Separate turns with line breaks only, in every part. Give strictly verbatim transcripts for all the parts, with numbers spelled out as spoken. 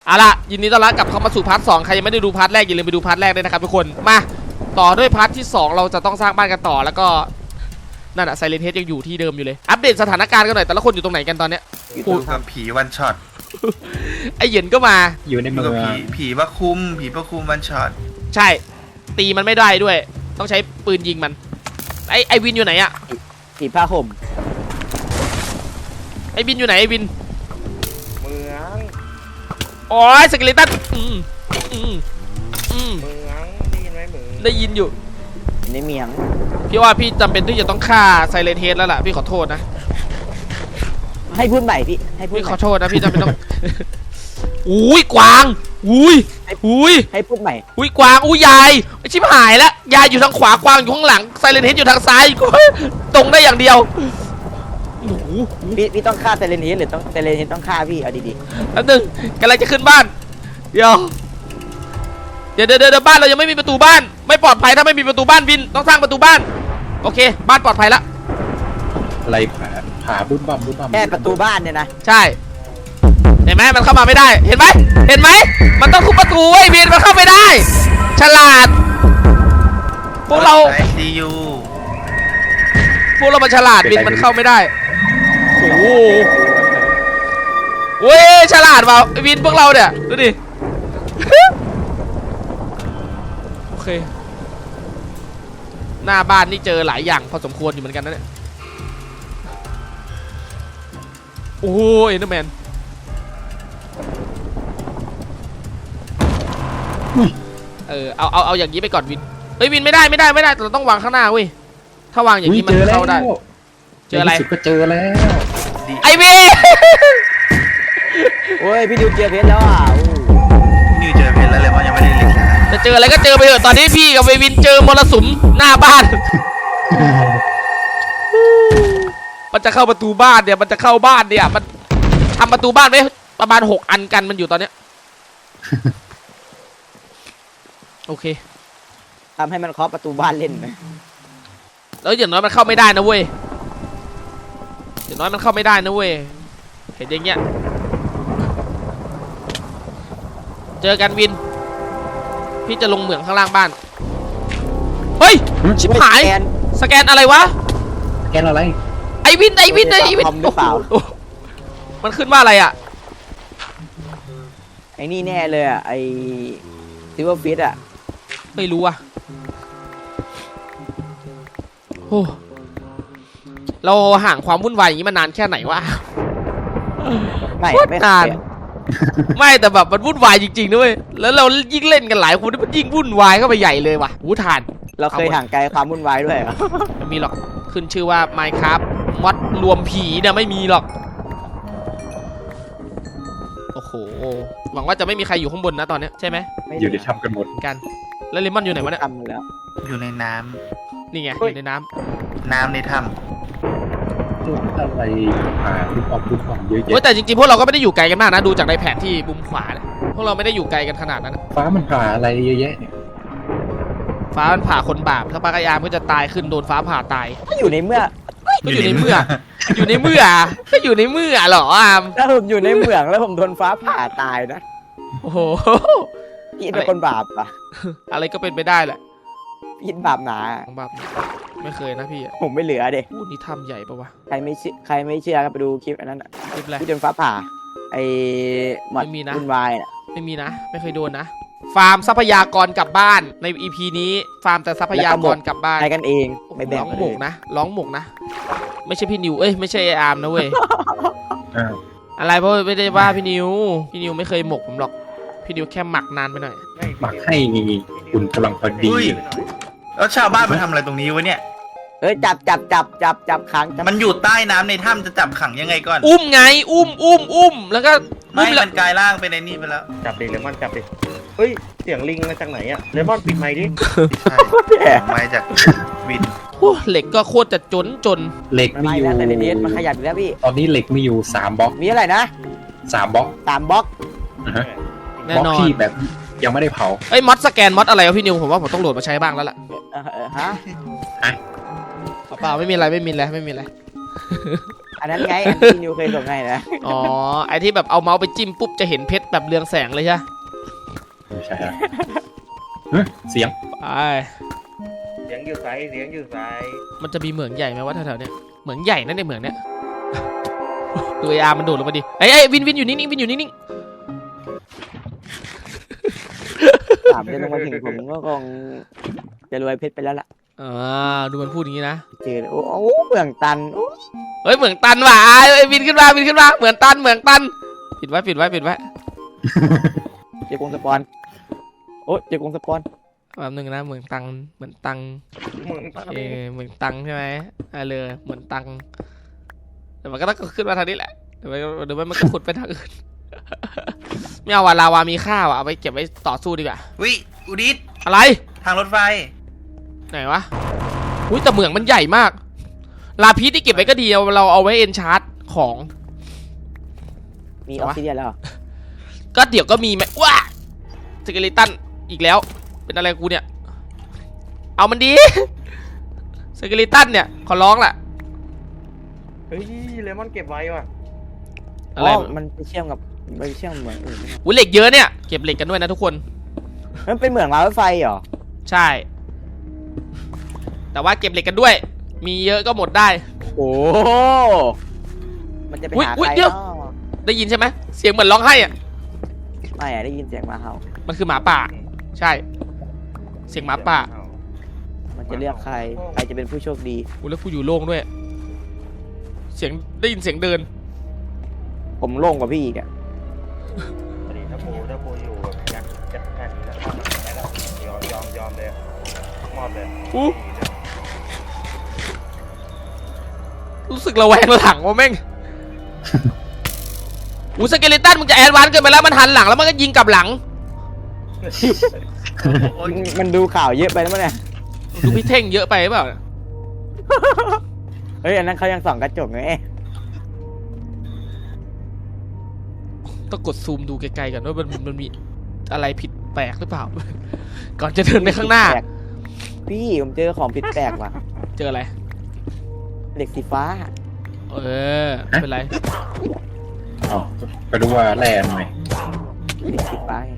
เอาล่ะยินดีต้อนรับกลับเข้ามาสู่พาร์ทสองใครยังไม่ได้ดูพาร์ทแรกอย่าลืมไปดูพาร์ทแรกด้วยนะครับทุกคนมาต่อด้วยพาร์ทที่สองเราจะต้องสร้างบ้านกันต่อแล้วก็นั่นอะไซเลนเฮดยังอยู่ที่เดิมอยู่เลยอัปเดตสถานการณ์กันหน่อยแต่ละคนอยู่ตรงไหนกันตอนเนี้ย
อยู่กับผีวันช็อต
ไอเหย็นก็มา
อยู่ใน
อยู่
เมื
กับ
อง
ผีผีพระคุมผีพระคุมวันช็อต
ใช่ตีมันไม่ได้ด้วยต้องใช้ปืนยิงมันไอไอวินอยู่ไหนอะ
ผีผ้าห่ม
ไอวินอยู่ไหนไอวิน
เมือง
โอ้ยสเกเลตันอืมอืมอืม
เมืองได้ยินไหมเมือง
ได้ยินอยู่
ในเมียง
พี่ว่าพี่จำเป็นที่จะต้องฆ่าไซเลนเฮดแล้วล่ะพี่ขอโทษนะ
ให้พูดใหม่พี่ให้พูด
พี่
ให
ข
ม่
อโทษนะพี่จำเป็นต้อง อุ้ยกวางอุ้ยอุ้ย
ให้พูดใหม่
อุ้ยกวางอุ้ยยายชิบหายแล้วยายอยู่ทางขวากวางอยู่ข้างหลังไซเลนเฮดอยู่ทางซ้ายตรงได้อย่างเดียวโอ้โห
พี่พี่ต้องฆ่าเซเลนเฮดหรือต้องเซเลนเฮดต้องฆ่าพี่เอาดี
แล้วหนึ่งกำลังจะขึ้นบ้านเดี๋ยวเดี๋ยวเดี๋ยวเดี๋ยวบ้านเรายังไม่มีประตูบ้านไม่ปลอดภัยถ้าไม่มีประตูบ้านวินต้องสร้างประตูบ้านโอเคบ้านปลอดภัยแล้ว
อะไรผาผาบุ้มบั่มบุ้มบั่ม
ๆแค่ประตูบ้านเนี่ยนะ
ใช่เห็นไหมมันเข้ามาไม่ได้เห็นไหมเห็นไหมมันต้องทุบประตูไอ้วินมันเข้าไม่ได้ฉลาดพวกเรา
ไอซียู
พวกเรามันฉลาดวินมันเข้าไม่ได้โอ้โหเว้ยฉลาดเปล่าไอ้วินพวกเราเนี่ยดูดิ โอเคหน้าบ้านนี่เจอหลายอย่างพอสมควรอยู่เหมือนกันนะเนี่ยโอ้ยเอ็นเดอร์แมนเออเอาเอาเอาอย่างนี้ไปก่อนวินเฮ้ยวินไม่ได้ไม่ได้ไม่ได้เราต้องวางข้างหน้าเว้ยถ้าวางอย่างนี้มันเข้าได้เจออะไร
สุดก็เจอแล้ว
ไอวิน
โอ้ยพี่ดิวเจอเพชรแล้วอ่ะ
นิวเจอเพชรแล้วเลยว่ายังไม่ได้เล็กนะ
จะเจออะไรก็เจอไปเถอะตอนนี้พี่กับเววินเจอมรสุมหน้าบ้าน มันจะเข้าประตูบ้านเนี่ยมันจะเข้าบ้านเนี่ยมันทำประตูบ้านไว้ประมาณหกอันกันมันอยู่ตอนเนี้ย โอเค
ทำให้มันเคาะประตูบ้านเล่นไหม
แล้วอย่างน้อยมันเข้าไม่ได้นะเว้ยอย่างน้อยมันเข้าไม่ได้นะเว้ยเห็นอย่างเงี้ยเจอกันวินพี่จะลงเหมืองข้างล่างบ้านเฮ้ยชิบหาย
แกน
สแกนอะไรวะ
แกนอะไร
ไอวินไอวินไอวิน
คอมหรือเปล่า
โอ้โหมันขึ้นว่าอะไรอ่ะ
ไอ้นี่แน่เลยอ่ะไอ้ซิลเวอร์ฟิตอ่ะ
ไม่รู้อ่ะโอ้เราห่างความวุ่นวายอย่างนี้มานานแค่ไหนวะ
ไม่
โคตร
ไม่
นาน ไม่แต่แบบมันวุ่นวายจริงๆด้วยแล้วเรายิ่งเล่นกันหลายคนมันยิ่งวุ่นวายเข้าไปใหญ่เลยว่ะหูทาน
เราเคยห่างไกลความวุ่นวายด้วยเหรอ
ไม่มีหรอกขึ้นชื่อว่า Minecraft มอดรวมผีเนี่ยไม่มีหรอกโอ้โหหวังว่าจะไม่มีใครอยู่ข้างบนนะตอนเนี้ยใช่ไหม
อยู่ในถ้ำกันหมด
กันแล้วเลมอนอยู่ไหนวะเนี่ย
ทำหมดแล้ว
อยู่ในน้
นี่ไง
เฮ้
อย ยู่ในน้
ำน้ำในถ้
อะไรผาบุ้มบั่มบุ้มบั่มเยอะ
ำโอ้ย
แยะ
แต่จริงๆพวกเราก็ไม่ได้อยู่ไกลกันมากนะดูจากในแผนที่มุมขวาเนี่ยพวกเราไม่ได้อยู่ไกลกันขนาดนั้นนะ
ฟ้ามันผ่าอะไรเยอะแยะเนี่ย
ฟ้ามันผ่าคนบาปถ้าปากายามก็จะตายขึ้นโดนฟ้าผ่าตาย
ก็อยู่ในเมื่อ
ก็อยู่ในเมื่อ อยู่ในเมื่อก็อยู่ในเมื่อเหรออาม
ถ้าผมอยู่ในเมืองแล้วผมโดนฟ้าผ่าตายนะ
โอ้โห
พี่เป็นคนบาปปะ
อะไรก็เป็นไปได้แหละ
พี่บาปหนา
ของบาปไม่เคยนะพี่อ่ะ
ผมไม่เหลือเด็
พูดนี่ทำใหญ่ปะวะ
ใครไม่เชื่อใครไม่เชื่อก็ไปดูคลิปอันนั้นอ่ะ
คลิปอะไร
ที่โดนฟ้าผ่าไอ้หมอด
ไม่มีนะ
วุ่นวายอ่ะ
ไม่มีนะ ไม่เคยโดนนะ ฟาร์มทรัพยากรกลับบ้านใน อี พี นี้ฟาร์มแต่ทรัพยากรกลับบ้าน
ใช้กันเองไม่แบ่
ร้
ง
อง
กัน
หม
เอก ง
นะร้องหมกนะ ไม่ใช่พี่นิวเอ้ยไม่ใช่ไออาร์มนะเว้ย
อ้าว
อะไรเพราะไม่ได้ว่าพี่นิวพี่นิวไม่เคยหมกผมหรอกพี่นิวแค่หมักนานไปหน่อย
หมักให้อุ่นกำลังพอ
ำ
ดี
อุ้ยแล้วชาวบ้านมาทำอะไรตรงนี้วะเนี่ย
เอ้ยจับจับจับจับจับขังจับ
มันอยู่ใต้น้ำในถ้ำจะจับขังยังไงก่อน
อุ้มไงอุ้มอุ้มอุ้มแล้วก็
ไม่
อุ้มแล้ว
มันกลายร่างไปในนี่ไปแล้ว
จับดิเลมอนจับดิเฮ้ย เสียงลิงมาจากไหนอะเลมอนปิดไมค์ดิ
ใช่ไม่จากวิน
โอ้เหล็กก็โคตรจะจนจน
เหล็ก
มัน
มี
ไม่
อยู่
แล้วแต่ในเดสมันขยับอยู่แล้วพี่
ตอนนี้เหล็กมีอยู่สามบล็อก
มีอะไรนะ
สามบล็อก
สามบล็อก
นะฮะ
แน่
บล็อก
นอน
ที่แบบยังไม่ได้เผา
เอ้ยมอดสแกนมอดอะไรวะพี่นิวผมว่าผมต้องโหลดมาใช้บ้างแล้วล่ะ
เออเออฮะ
เปล่าไม่มีอะไรไม่มีอะไรไม่มีอะไร
อันนั้นไงอันที่นิวเคยส่งให้นะ
อ๋อไอที่แบบเอาเมาส์ไปจิ้มปุ๊บจะเห็นเพชรแบบเรืองแสงเลยใช่ไหม
ไม่ใช่ฮะเฮ้ยเสียง
ไป
เสียงอยู่ไซเสียงอยู่ไซ
มันจะมีเหมืองใหญ่ไหมวะแถวๆเนี้ยเหมืองใหญ่นั่นเนี่ยเหมืองเนี้ย ดูไออาร์มันโดดลงมาดิไอ้ไอ้ยวินวินอยู่นิ่งๆวินอยู่นิ่ง
ถามจะลงมาถึงผมก็คงจะรวยเพชรไปแล้วล่ะ
ๆอ่าดูมันพูดอย่างนี้นะ
เจอโอ้โหเมืองตันโอ้
เฮ้ยเหมืองตันว่ะไอ้ยวินขึ้นมาวินขึ้นมาเหมืองตันเหมืองตันปิดไว้ปิดไว้ปิดไว้
เจอกงสปอนโอ้เจอกงสปอน
แป๊บนึงนะเหมืองตังเหมือนตัง
มึง
เออเหมือนตังใช่ไหมอ่าเลยเหมือนตังแต่มันก็ต้องขึ้นมาทางนี้แหละเดี๋ยวมันเดี๋ยวมันก็ขุดไปทางอื่น ไม่เอาว่ะลาวามีค่าว่ะเอาไปเก็บไว้ต่อสู้ดีกว่า
วิอุดิต
อะไร
ทางรถไฟ
ไหนวะอุ้ยแต่เหมืองมันใหญ่มาก ลาพีชที่เก็บไว้ก็ดีเอาเราเอาไว้เอนชาร์ตของ
มีออกซิเดียนแล้วเหรอ
ก็เดี๋ยวก็มีไหมว้าสเกลิตันอีกแล้ว เป็นอะไรกูเนี่ย เอามันดี สเกลิตันเนี่ยขอร้องแหละ
เฮ้ยเลมอนเก็บไว้ว่ะ
อะไร
อ๋อมันไปเชื่อมกับไปเชื่อมเหมืองอื่นไหม
อุ้ยเหล็กเยอะเนี่ยเก็บเหล็กกันด้วยนะทุกคน
มันเป็นเหมืองรางรถไฟเหรอ
ใช่ แต่ว่าเก็บเหล็กกันด้วย มีเยอะก็หมดได้
โอ้มันจะไป
อุ๊ย
หา
อุ๊ย
ใคร
เดี๋ยว
เนาะ
ได้ยินใช่ไหมเสียงเหมือนร้องไห้อะ
ไม่อะได้ยินเสียงหมาเห่า
มันคือหมาป่า ใช่ เสียงหมาป่า
มันจะเลือกใครใครจะเป็นผู้โชคดี
อุ้ยแล้วกูอยู่โล่งด้วย เสียงได้ยินเสียงเดิน
ผมโล่งกว่าพี่อีกอะ
พอดีถ้าโบถ้าโบอยู่แบบยักษ์จัดการนี้แล้วทำแบบนี้แล้วยอมยอมยอมเลยมอบเลย
อู้ รู้สึกระแวงหลังว่าแม่ง อูสเกเลตันมึงจะแอดวานซ์เกินไปแล้วมันหันหลังแล้วมันก็ยิงกลับหลัง
โอ้ย
มันดูข่าวเยอะไปแล้วมั้งเนี่ย
ดูพี่เท่งเยอะไปหรือเปล่า
เฮ้ยอันนั้นเขายังส่องกระจกไง
ต้องกดซูมดูไกลๆกันว่ามันมันมีอะไรผิดแปลกหรือเปล่า ก่อนจะเดินไปข้างหน้า
แปลกพี่ผมเจอของผิดแปลกว่ะ
เจออะไร
เหล็กสีฟ้า
เออไม่เป็นไร
อ๋อไปดูว่าแร่หน่อย
เหล็กสีฟ้าไง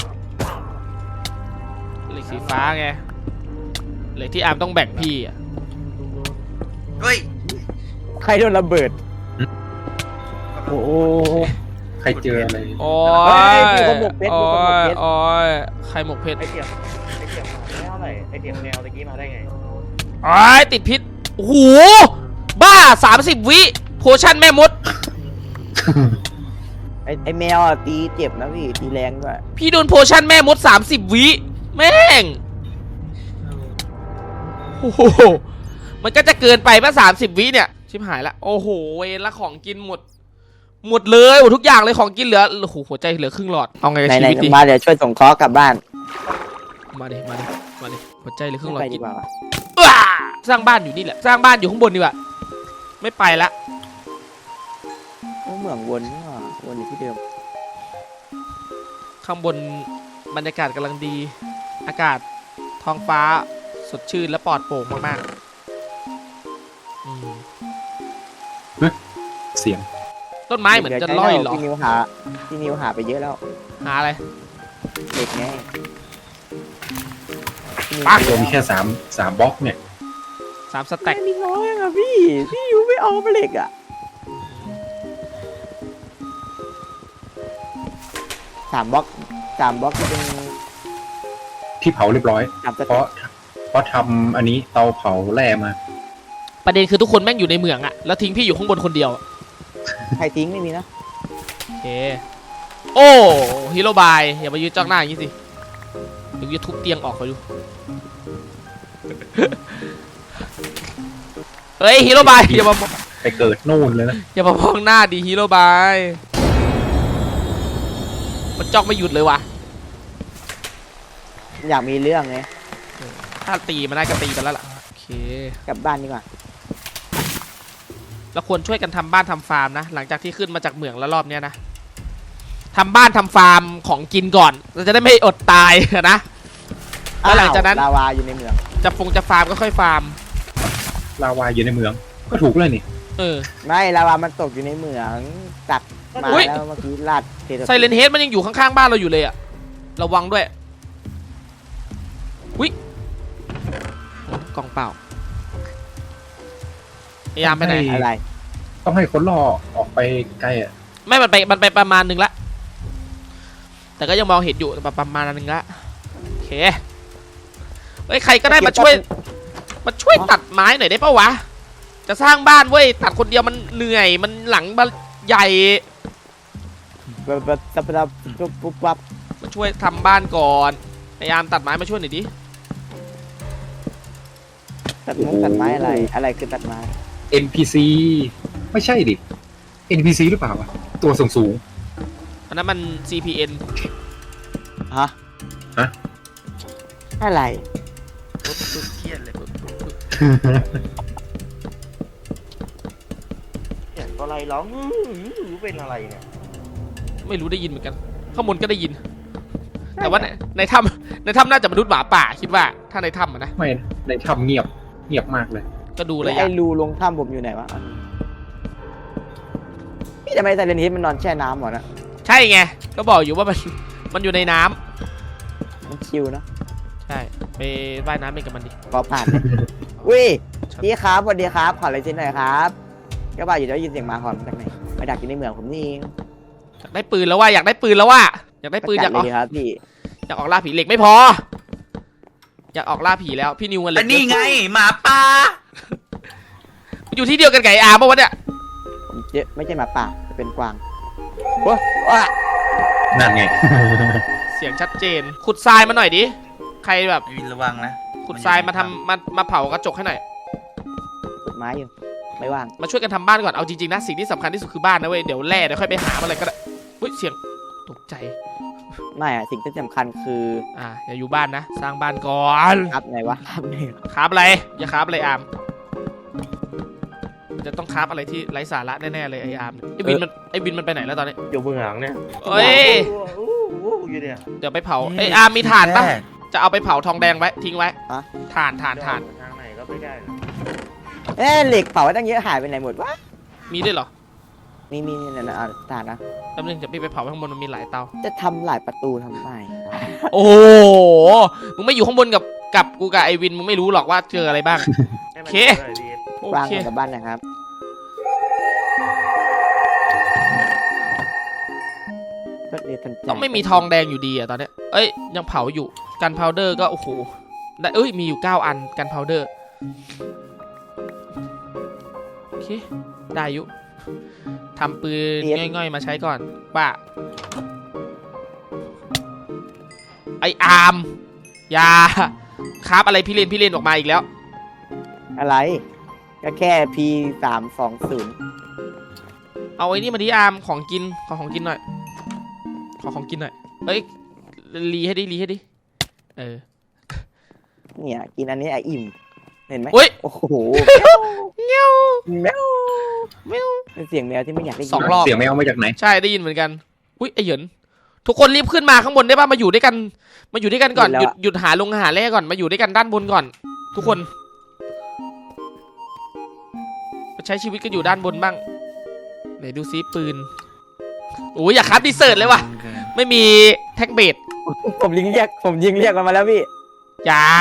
เหล็กสีฟ้าไงเหล็กที่อาร์มต้องแบ่งพี่อะ
เฮ้ย
ใครโดนระเบิดโอ้โห
ใครเจออะไร
โอ้
เฮ้
ย
ยมีคนหมกเพชรมี
โอ้
คนหมก
ย
เพชร
โอ้ยใครหมกเพชร
ไอเทียมไอเทียมมาไม่เท่าไหร่ไอเทียมแนวตะกี้มาได้ไง
โอ้ยติดพิษโอ้โหบ้าสามสิบวิโพชั่นแม่มด
ไอไอแมวอ่ะตีเจ็บนะพี่ตีแรงด้วย
พี่โดนโพชั่นแม่มดสามสิบวิแม่งโอ้โหมันก็จะเกินไปป่ะสามสิบวิเนี่ยชิบหายละโอ้โหเวรละของกินหมด หมดเลยหมดทุกอย่างเลยของกินเหลือโอ้โหหัวใจเหลือครึ่งหลอดเอาไงกับ
ไหน
ชี
ไหน
วิตดี
มาเดี๋ยวช่วยส่งเคราะห์กลับบ้าน
มาดิมาดิมาดิหัวใจเหลือครึ่งหลอด
ไป
กิ
ดี
น
กว่าว่ะ
อ้าสร้างบ้านอยู่นี่แหละสร้างบ้านอยู่ข้างบนดีกว่าไม่ไปละ
โอ้เหมืองวนนี่หว่าวนอยู่ที่เดิม
ข้างบนบรรยากาศกำลังดี อากาศท้องฟ้าสดชื่นและปลอดโปร่งมากๆอืม
เสียง
ต้นไม้เหมือนจะล่อยเหรอ
พี่นิวหาพี่นิวหาไปเยอะแล้ว
หาอะไร
เด็กไงพี่นิว
ปัง
ตัวมีแค่สามสามบล็อกเนี่ย
สามสแต็ก
มีน้อยอะพี่พี่นิวไม่เอาไปเหล็กอะสามบล็อกสามบล็อกจะเป็น
ที่เผาเรียบร้อย
สามส
เพ
เต็
ราะ
ป
เพราะทำอันนี้เตาเผาแร่มา
ประเด็นคือทุกคนแม่งอยู่ในเมืองอะแล้วทิ้งพี่อยู่ข้างบนคนเดียว
ใครทิ้งไม่มีนะ
โอเคโอ้ฮีโร่บายอย่ามายืนจ้องหน้าอย่างนี้สิเดี๋ยวกูจะทุบเตียงออกไปดู เฮ้ยฮีโร่บายอย่ามามอง
ไปเกิดนู่นเลยนะ
อย่ามามองหน้าดีฮีโร่บายมันจ้องไม่หยุดเลยว่ะ
อยากมีเรื่องไง
ถ้าตีมันได้ก็ตีกันแล้วล่ะโอเค
กลับบ้านดีกว่า
เราควรช่วยกันทำบ้านทำฟาร์มนะหลังจากที่ขึ้นมาจากเหมืองแล้วรอบเนี้ยนะทำบ้านทำฟาร์มของกินก่อนเราจะได้ไม่อดตายนะแล้วหลังจากนั้น
อ้วลาวาอยู่ในเมือง
จะฟงจะฟาร์มก็ค่อยฟาร์ม
ลาวาอยู่ในเมือง ก็ถูกเลยนี่
เอเออ
ไม่ลาวามันตกอยู่ในเหมืองตักมา
อุ๊ย
แล้วเมื่อกี้ลาดเท
ไซเลนเฮดมันยังอยู่ข้างๆบ้านเราอยู่เลยอะระวังด้วยวิกล่องเปล่าพยายามไปไหน
อะไร
ต้องให้คนล่อออกไปไกลอ่ะ
ไม่มันไปมันไปประมาณหนึ่งละแต่ก็ยังมองเห็นอยู่แบบประมาณหนึ่งละโอเคเฮ้ยใครก็ได้มาช่วยมาช่วยตัดไม้หน่อยได้ปะวะจะสร้างบ้านเว้ยตัดคนเดียวมันเหนื่อยมันหลังมันใหญ่
แบบแบบแบบแบบปุ๊บปุ๊บปั๊บ
มาช่วยทำบ้านก่อนพยายามตัดไม้มาช่วยหน่อยดิ
ตัดมุ้งตัดไม้อะไร อะไรคือตัดไม้
เอ็น พี ซี ไม่ใช่ดิ เอ็น พี ซี หรือเปล่าวะตัวสูงสูง
อันนั้นมัน ซี พี เอ็น
ฮะ
ฮะ
อะไร
เครียดเลย
เสียงอะไรร้องอื้อเป็นอะไรเนี่ย
ไม่รู้ได้ยินเหมือนกันข้างบนก็ได้ยิน แต่ว่าในในถ้ำในถ้ำน่าจะมนุษย์หมาป่าคิดว่าถ้าในถ้ำอะนะ
ไม่ในถ้ำเงียบเงียบมากเลย
ก็ดู
แล้
ระ
วย
ะ
ไอ้รูลงถ้ำผมอยู่ไหนวะพี่ทำไมไซเรนเฮดมันนอนแช่น้ำหมดนะ
ใช่ไงก็บอกอยู่ว่ามันมันอยู่ในน้ำ
มันชิวนะ
ใช่ไปว่ายน้ำเล่นกับมันดิ
พอผ่านเลยอุ้ยพี่ครับสวัสดีครับขออะไรชิ้นหน่อยครับก็บ่าอยู่ได้ยินเสียงหมาหอนมาจากไหนมาดักอยู่ในเมืองผมนี่เอง
อยากได้ปืนแล้วว่าอยากได้ปืนแล้วว่าอยากได้ปืนอยาก
เล
ออก
ยดีครับพี่
อยากออกล่าผีเหล็กไม่พอ อยากออกล่าผีแล้วพี่นิวกันเหล็
แต่
ก
นี่ไงหมาป่า
มันอยู่ที่เดียวกันไก่อาร์ปะวะเนี่ย
ผมเจ๊ไม่ใช่หมาป่าจะเป็นกวางโอ้ว้า
นั่นไง
เสียงชัดเจน ขุดทรายมาหน่อยดิใครแบบ
วินระวังนะ
ขุดทรายมาทำมามาเผากระจกให้หน่อย
ขุดไม้อยู่ไม่ว่าง
มาช่วยกันทำบ้านก่อนเอาจริงๆนะสิ่งที่สำคัญที่สุดคือบ้านนะเว้ยเดี๋ยวแร่เดี๋ยวค่อยไปหาอะไรก็ได้เฮ้ยเสียงตกใจ
ไม่อะสิ่งที่สำคัญคือ
อ่าอย่าอยู่บ้านนะสร้างบ้านก่อน
ครับไหนวะครับไหน
คราบอะไรอย่าคราบอะไรอาร์มจะต้องคราบอะไรที่ไร้สาระแน่ๆเลยไออาร์มเนี่ยไอวินมันไอวินมันไปไหนแล้วตอนนี้
อยู่เบื้องหลังเนี่ย
เอ้ย
อู้อู้อยู่เนี่ย
เดี๋ยวไปเผาไออาร์มมีถ่านปะจะเอาไปเผาทองแดงไว้ทิ้งไว้ถ่านถ่านถ่าน
ทางไหนก็ไม่ได้นะ
เอ๊ะเหล็กเผาไว้ตั้งเยอะหายไปไหนหมดวะ
มีด้วยเหรอ
มีมีนี่นะอ่ะตาดนะ
แป๊บนึงเดี๋ยวพี่ไปเผาข้างบนมันมีหลายเตา
จะทำหลายประตูทำไม
โอ้โหมึงไม่อยู่ข้างบนกับกับกูกับไอวินมึงไม่รู้หรอกว่าเจออะไรบ้าง
ให้มัน
โอเค
จอหน่อยดี
โอ
วาง
เค
กับบ้านนะครับก็เรียนทันใจ
ต้องไม่มีทองแดงอยู่ดีอะตอนเนี้ยเอ้ยยังเผาอยู่กันพาวเดอร์ก็โอ้โหได้เอ้ยมีอยู่เก้าอันกันพาวเดอร์โอเคได้อยู่ทำปืนง่อยๆมาใช้ก่อนป้าไออาร์มอยาคราบอะไรพี่เลนพี่เลนออกมาอีกแล้ว
อะไร ก็แค่พีสามสองศูนย์
เอาไอ้นี่มาดิอาร์มของกินขอของกินหน่อยขอของกินหน่อยเอ้ยรีให้ดิรีให้ดิเออ
เนี่ยกินอันนี้อ่ะอิ่มเห็นไหม
เฮ้ย
โอ้โห
เงี้ยว
แมว
แมว
เป็นเสียงแมวที่ไม่อยากได้ยิน
สองรอบ
เสียงแมวมาจากไหน
ใช่ได้ยินเหมือนกันอุ้ยไอเหยินทุกคนรีบขึ้นมาข้างบนได้ป่ะมาอยู่ด้วยกันมาอยู่ด้วยกันก่อนหยุดหยุดหาลงหาแร่ก่อนมาอยู่ด้วยกันด้านบนก่อน ทุกคนมาใช้ชีวิตกันอยู่ด้านบนบ้างไหนดูซิปืนโอ้ยอยากคับดีเซิร์ตเลยว่ะไม่มีแท็กเบด
ผมยิงเรียกผมยิงเรียกมันมาแล้วพี่
อย่า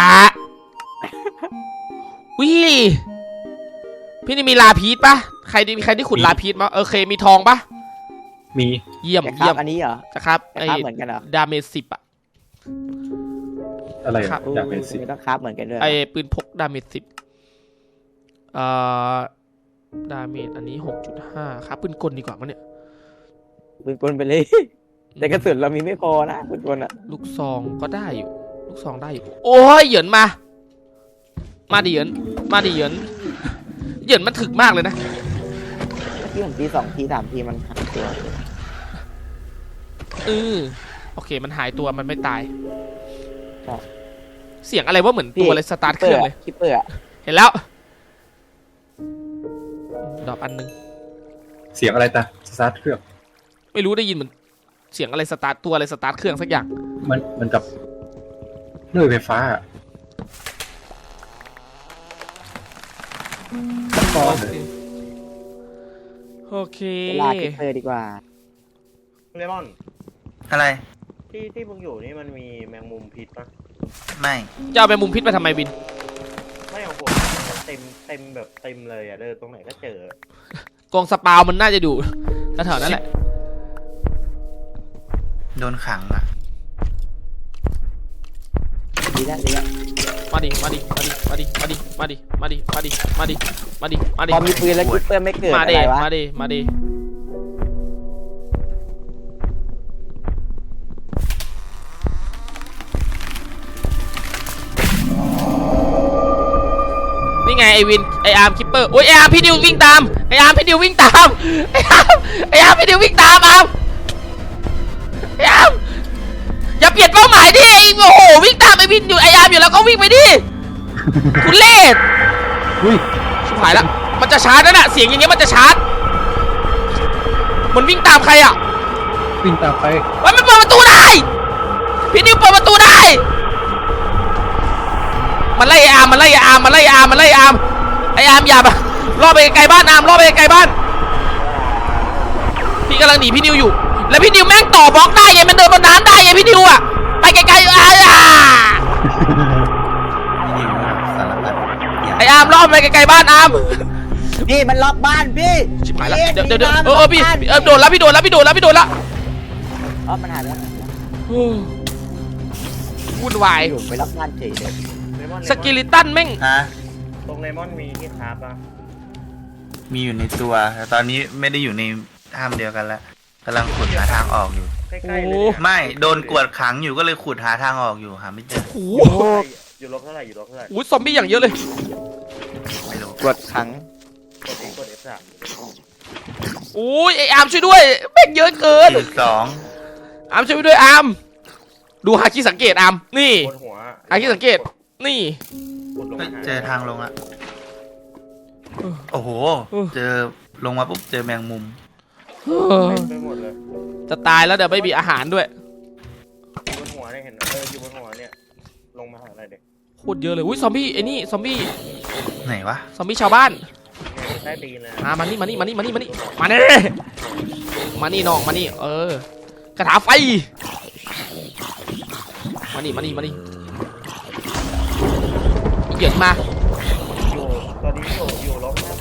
วิพี่นี่มีลาพีชปะใครดีมีใครที่ขุดลาพีชมั้ยเออเคมีทองปะ
มี
เยี่ยม
จะครั
เยี่ย
บ
ม
อันนี้เหรอ
นะครับ
จะ
ไอ้
ครับเหมือนกันเหรอ
ดาเมจสิบอะ
อะไร
ครับ
อยากเป็นสิ
ไม่ต้องครับเหมือนกันด้วย
ไอ้ปืนพกดาเมจสิบเอ่อดาเมจอันนี้หกจุดห้าครับปืนกลดีกว่ามั้งเนี่ย
ปืนกลไปเลย แต่กระสุนเรามีไม่พอนะปืนกลอ่ะ
ลูกซองก็ได้อยู่ลูกซองได้อยู่โอ้ยเหยินมามาดิเหยินมาดิเหยินเหยินมันถึกมากเลยนะ
ที่ผมทีสองทีสามทีมันหักตัว
เออโอเคมันหายตัวมันไม่ตายเสียงอะไรว่าเหมือนตัวอะไรสตาร์ทเครื่องเลย
คิปเปอร์อะ
เห็นแล้วดอกอันนึง
เสียงอะไรตาสตาร์ทเครื่อง
ไม่รู้ได้ยินเหมือนเสียงอะไรสตาร์ทตัวอะไรสตาร์ทเครื่องสักอย่าง
มันมันกับเลื่อยไฟฟ้าอะตะกอนเลย
โอเค
ลาคิปเปอร์ดีกว่า
เลมอน
อะไร
ที่ที่มึงอยู่นี่มันมีแมงมุมพิษปะ
ไม่
จะเอาไปมุมพิษไปทำไมวิน
ไม่ของผมเต็มเต็มแบบเต็มเลยอ่ะเดินตรงไหนก็เจอก
องสปาวมันน่าจะดูแถวๆนั้นแหละ
โดนขังอ่ะ
ดีแล้วดีแล้ว
มาดิมาดิมาดิมาดิมาดิมาดิมาดิมาดิมาดิมาดิมาดิ
พอมีปืนแล้วคิปเปอร์ไม่เกิด
มา
อะ
ดิ
ไรวะ
มาดิมาดินี่ไงไอวินไออาร์มคิปเปอร์โอ้ยไออาร์มพี่ดิววิ่งตามไออาร์มพี่ดิววิ่งตามไออาร์มไออาร์มพี่ดิววิ่งตามอาร์มไออาร์มอย่าเปลี่ยนเป้าหมายดิไอโอ้โหวิ่งตามไอวินอยู่ไออาร์มอยู่แล้วก็วิ่งไปดิคุณเล่ห์
อุ้ย
ชิบหายละมันจะชาร์จนั่นน่ะเสียงอย่างเงี้ยมันจะชาร์จมันวิ่งตามใครอ่ะ
วิ่งตามไป
เฮ้ยมันเปิดประตูได้พี่ดิวเปิดประตูได้มันไล่ไออาร์มมันไล่ไออาร์มมันไล่ไออาร์มมันไล่ไออาร์มไออาร์มอย่าไปล่อไปไกลบ้านอาร์มล่อไปไกลบ้านพี่กำลังหนีพี่ดิวอยู่แล้วพี่ดิวแม่งต่อบล็อกได้ไงมันเดินบนน้ำได้ไงพี่ดิวอ่ะไปไกลๆอ่ะ
ยิงสารพัดอย่า
ไออาร์มล่อไปไกลๆบ้านอาร์ม
พี่มันล็อกบ้านพี่
ชิบหายละ
พี่
เดี๋ยวเดี๋ยวเดี๋ยว
มัน
เออเออพี่
ล็กบ้าน
เออโดนแล้วพี่โดนแล้วพี่โดนแล้วพี่โดนแล้ว
อ๋อมันหายไปแล้ว
วุ่นวาย
อยู่ไปล็อกบ้านเฉยเลย
เลมอน
สกิลิตันแม่ง
ฮะ
ตรงเลมอนมีที่คราฟปะ
มีอยู่ในตัวแต่ตอนนี้ไม่ได้อยู่ในถ้ำเดียวกันแล้วกำลังขุดหาทางออกอยู่
ใกล้ๆเลยเนี่ย
ไม่โดนกวดขังอยู่ก็เลยขุดหาทางออกอยู่หาไม่เจอ
โอ้
อยู่
โห
อยู่ลบเท่าไหร่อยู่ลบเท่าไหร่
โอ้โหซอมบี้อย่างเยอะเลย
ไม่รู้
กดขัง
กดเอกดเอฟสาม
โอ้ยไออาร์มช่วยด้วยแม่งเยอะเกิน
สี่สอง
อาร์มช่วยด้วยอาร์มดูฮาคิสังเกตอาร์มนี่
กดหัว
ฮาคิสังเกตนี่
กดลง
เฮ้ย
ห
เจอทางลงละโอ้โห เจอลงมาปุ๊บเจอแมงมุม
เออ
เต็มไปหมดเลย
จะตายแล้วเดี๋ยวไม่มีอาหารด้วย
อยู่บนหัวเนี่ยเห็นเอออยู่บนหัวเนี่ยลงมาหาอะไรเด็ก
โคตรเยอะเลยอุ้ยซอมบี้ไอ้นี่ซอมบี้
ไหนวะ
ซอมบี้ชาวบ้าน
ใต้ตีนเลย
มามานี่มานี่มานี่มานี่มานี่มานี่มานี่น้องมานี่เออกระถาไฟมานี่มานี่มานี่เหยียดมา
อยู่ตอนนี้อยู่อยู่ลบนะ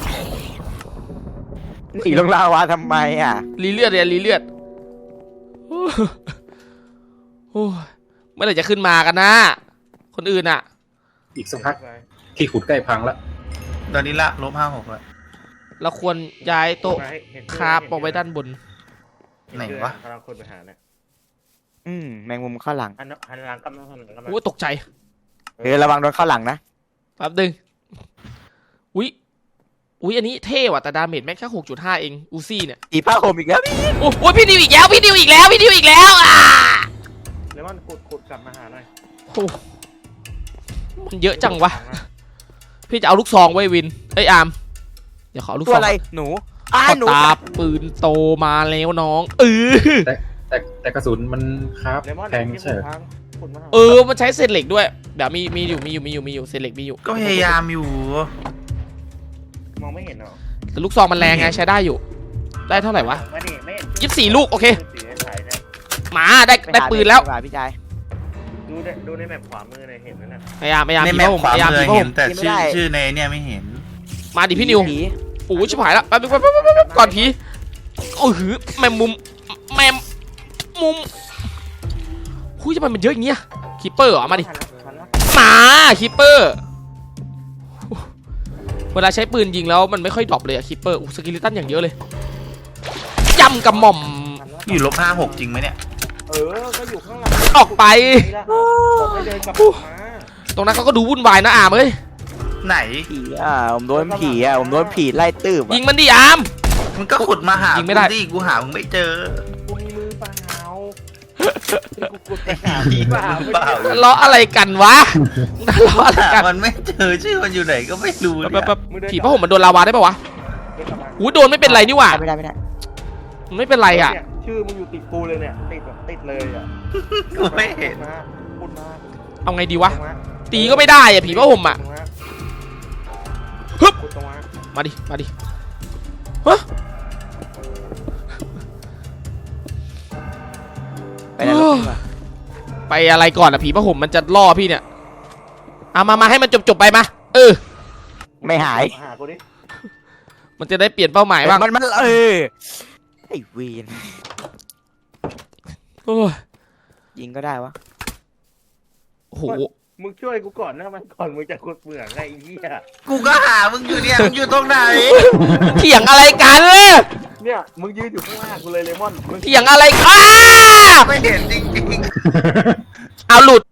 หนีลงลาวาทำไมอ่ะ
รีเลือดเลยรีเลือดโอ้โอ้ยเมื่อไหร่จะขึ้นมากันนะคนอื่นอ่ะ
อีกสักพักที่ขุดใกล้พังละ
ตอนนี้ละลบห้าหกแล้ว
เราควรย้ายโต๊ะคราฟเอาไว้ด้านบน
ไหนวะ
กำลังคนไปหาเนี่ย
อืมแมงมุมเข้าหลัง
หันหันหลังกำลังหันหลังกำลัง
โอ้ยตกใจ
เออระวังโดนเข้าหลังนะ
แป๊บนึงอุ้ยอุ้ยอันนี้เท่ว่ะแต่ดาเมจแม่งแค่หกจุดห้าเองอูซี่เนี่ย
อีผ้าห่มอีกแล้วพี่
โอ้ยพี่ดิวอีกแล้วพี่ดิวอีกแล้วพี่ดิวอีกแล้วอ่ะ
เลมอนขุดขุดกลับมาหาหน่อย
โอ้มันเยอะจังวะพี่จะเอาลูกซองไว้วินเอ้ยอาร์มเดี๋ยวขอลูก
ตั
ซ
ว
อง
อะไรหนูอ้า
ขอ
หนู
ตาปืนโตมาแล้วน้องเออ
แต่แต่แต่กระสุนมันครับ
เลมอน
แทง
ที่
ใช่
ขุ
เหรอ
ดพังขุดมาหา
เออมันใช้เศษเหล็กด้วยเดี๋ยวมีมีอยู่มีอยู่มีอยู่มีอยู่เศษเหล็กมีอยู่
ก็พยายามอยู่
มองไม่เห็นหรอ
แต่ลูกซองมันแรงไงใช้ได้อยู่ ได้เท่าไหร่วะ
ไม่เห็นไม่เห็น
ยี่สิบสี่ลูกโอเค
สีในสายเนี่ย
มาได้ได้ปืนแล้ว
ไปหาพี่ชาย
ดูในดูในแมปขวามือเลยเห็นไหมน่ะ
พยายามพยายาม
ใน
ผี
แม
พ
ป
ระผม
ขวา
พยายาม
มื
ผี
อ
พระผ
เห็น
ม
แต่ชื่อชื่อในเนี่ยไม่เห็น
มาดิพี่นิว
ผี
โอ้ยชิบหายละแป๊บนึงแป๊บนึงแป๊บนึงแป๊บนึงก่อนผีโอ้โหแมมมุมแมมมุมคุยทำไมมันเยอะอย่างเงี้ยคีเปอร์เหรอมาดิ
ทันแล้วทันแล้ว
มาคีเปอร์เวลาใช้ปืนยิงแล้วมันไม่ค่อยดรอปเลยอะคีเปอร์สกิลิตันอย่างเยอะเลยจำกับหม่อม
ทันแล้ว
อยู่ลบห้าหกจริงไหมเนี่ย
เออก็อยู่ข้างหลัง
ออกไป
นี่ละผมไม่เดินกลับมา
ตรงนั้นเขาก็ดูวุ่นวายนะอามเอ้ย
ไหน
ผีอ่ะผมโดนผีอ่ะผมโดนผีไล่ตื้บ
ยิ
อ่ะ
งมันดิอาม
มันก็ขุดมาหา
ยิงไม่ได้
กูดิกูหามึงไม่เจอ
กูมีมือเปล่ากูกดไปหาผีเปล่า
เปล่า
ทะเลาะอะไรกันวะทะเลาะอะไร
หา
กัน
มันไม่เจอชื่อมันอยู่ไหนก็ไม่รู้เนี่ย
แป๊บๆผีพระห่มมันโดนลาวาได้ปะวะหูโดนไม่เป็นไรนี่หว่า
ไม่ได้ไม่ได้
มันไม่เป็นไรอ่ะ
เนี่ยชื่อมึงอยู่ติดกูเลยเนี่ยติดแบบติดเลยอ่ะ
กูไม่เห็น
มาพูดมา
เอาไงดีวะ
ตรงมา
ตีก็ไม่ได้อ่ะผีพระห่มอ่ะ
ตรงมา
ฮึบ
พูดตรงมา
มาดิมาดิฮะ
ไปนรกดีกว่า
ไปอะไรก่อนอะผีพระห่มมันจะล่อพี่เนี่ยเอามามาให้มันจบจบๆไปมาเออ
ไม่หาย
หากูดิ
มันจะได้เปลี่ยนเป้าหมายบ้าง
มันมันเออไอ้เวน
โอ้ย
ยิงก็ได้วะ
โอ้โห
มึงช่วยกูก่อนนะมันก่อนมึงจะขุดเหมืองไงไอ้เหี้ย
กูก็หามึงอยู่เนี่ยมึงอยู่ตรงไหน
เถียงอะไรกัน
เนี่ยมึงยืนอยู่ข้างหน้ากูเลยเลมอนมึง
เถียงอะไรอ้า
ไม่เห็นจริง
เอาหลุด